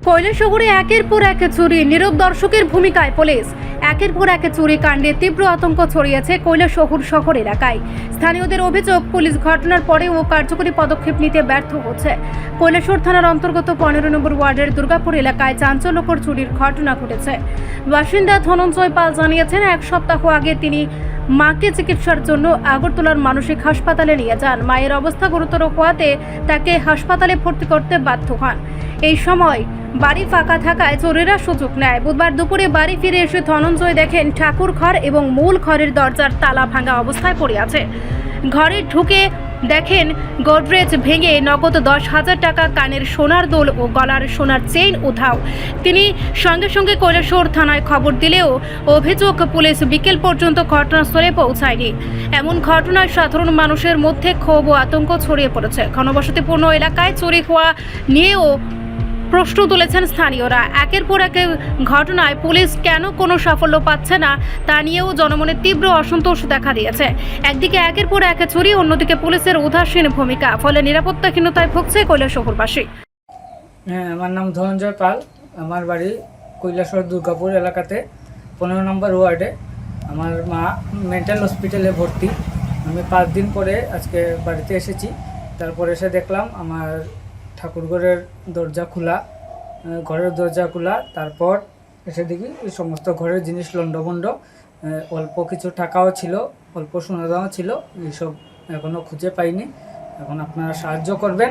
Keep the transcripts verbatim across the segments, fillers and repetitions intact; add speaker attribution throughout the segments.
Speaker 1: কৈলাসহরে একের পর এক চুরি, নীরব দর্শকের ভূমিকায় পুলিশ। একের পর এক চুরি কাণ্ডে তীব্র আতঙ্ক ছড়িয়েছে কৈলাসহর শহর এলাকায়। স্থানীয়দের অভিযোগ, পুলিশ ঘটনার পরেও কার্যকরী পদক্ষেপ নিতে ব্যর্থ হচ্ছে। কৈলাসহর থানার অন্তর্গত পনেরো নম্বর ওয়ার্ডের দুর্গাপুর এলাকায় চাঞ্চল্যকর চুরির ঘটনা ঘটেছে। বাসিন্দা ধনঞ্জয় পাল জানিয়েছেন, এক সপ্তাহ আগে তিনি মাকে চিকিৎসার জন্য আগরতলার মানসিক হাসপাতালে নিয়ে যান। মায়ের অবস্থা গুরুতর হওয়াতে তাকে হাসপাতালে ভর্তি করতে বাধ্য হন। এই সময় বাড়ি ফাঁকা থাকায় চোরেরা সুযোগ নেয়। বুধবার দুপুরে বাড়ি ফিরে এসে ধনঞ্জয় দেখেন ঠাকুর ঘর এবং মূল ঘরের দরজার তালা ভাঙা অবস্থায় পড়ে আছে। ঘরে ঢুকে দেখেন গোদরেজ ভেঙে নগদ দশ হাজার টাকা, কানের সোনার দোল ও গলার সোনার চেইন উধাও। তিনি সঙ্গে সঙ্গে কৈলাসহর থানায় খবর দিলেও অভিযোগ, পুলিশ বিকেল পর্যন্ত ঘটনাস্থলে পৌঁছায়নি। এমন ঘটনায় সাধারণ মানুষের মধ্যে ক্ষোভ ও আতঙ্ক ছড়িয়ে পড়েছে। ঘনবসতিপূর্ণ এলাকায় চুরি হওয়া নিয়েও প্রশ্ন তুলেছেন স্থানীয়রা। একের পর এক ঘটনায় পুলিশ কেন কোনো সাফল্য পাচ্ছে না তা নিয়েও জনমনে তীব্র অসন্তোষ দেখা দিয়েছে। একদিকে একের পর এক চুরি, অন্যদিকে পুলিশের উদাসীন ভূমিকা, ফলে নিরাপত্তাহীনতায় ভুগছে কৈলাসহরবাসী।
Speaker 2: হ্যাঁ, আমার নাম ধনঞ্জয় পাল। আমার বাড়ি কৈলাসহর দুর্গাপুর এলাকাতে পনেরো নম্বর ওয়ার্ডে। আমার মা মেন্টাল হসপিটালে ভর্তি। আমি পাঁচ দিন পরে আজকে বাড়িতে এসেছি। তারপর এসে দেখলাম আমার ঠাকুরঘরের দরজা খোলা, ঘরের দরজা খোলা। তারপর এসে দেখি এই সমস্ত ঘরের জিনিস লণ্ডভণ্ড, অল্প কিছু টাকাও ছিল, অল্প সোনাদাও ছিল। এইসব এখনও খুঁজে পাইনি। এখন আপনারা সাহায্য করবেন,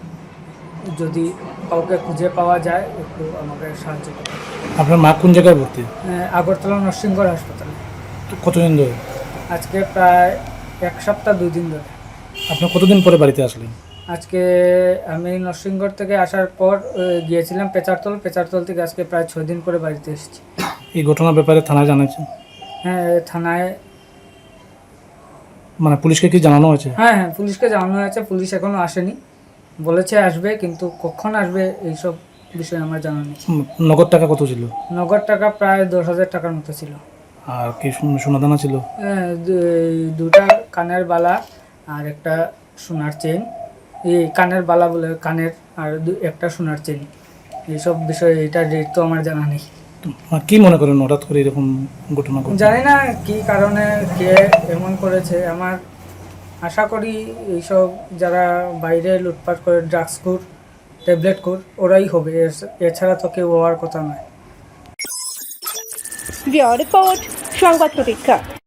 Speaker 2: যদি কাউকে খুঁজে পাওয়া যায় একটু আমাকে সাহায্য করবেন।
Speaker 3: আপনার মা কোন জায়গায় ভর্তি?
Speaker 2: আগরতলা নরসিংগড় হাসপাতালে।
Speaker 3: কতদিন ধরে?
Speaker 2: আজকে প্রায় এক সপ্তাহ দুই দিন ধরে।
Speaker 3: আপনি কতদিন পরে বাড়িতে আসলেন?
Speaker 2: আজকে আমি নরসিংগড় থেকে আসার পর গিয়েছিলাম পেচারতল। পেচারতল থেকে আজকে প্রায় ছয় দিন পরে বাড়িতে এসেছি।
Speaker 3: এই ঘটনার ব্যাপারে থানায় জানিয়েছেন?
Speaker 2: হ্যাঁ, থানায়
Speaker 3: মানে পুলিশকে কি জানানো হয়েছে?
Speaker 2: হ্যাঁ হ্যাঁ পুলিশকে জানানো হয়েছে। পুলিশ এখনও আসেনি, বলেছে আসবে, কিন্তু কখন আসবে এইসব বিষয়ে আমার জানা নেই।
Speaker 3: নগদ টাকা কত ছিল?
Speaker 2: নগদ টাকা প্রায় দশ হাজার টাকার মতো ছিল।
Speaker 3: আর কি সোনাদানা ছিল?
Speaker 2: হ্যাঁ, দুটা কানের বালা আর একটা সোনার চেন। এই কানের বালা বলে কানের, আর একটা সোনার চেন। এইসব বিষয়ে এটা রেট তো আমার জানা নেই।
Speaker 3: কি মনে করেন হঠাৎ করে এরকম ঘটনা?
Speaker 2: জানি না কি কারণে কে এমন করেছে। আমার আশা করি এইসব যারা বাইরে লুটপাট করে, ড্রাগস খুর, ট্যাবলেট খুর, ওরাই হবে, এছাড়া তো কেউ হওয়ার কথা নয়।
Speaker 1: রিপোর্ট সংবাদ প্রতীক্ষা।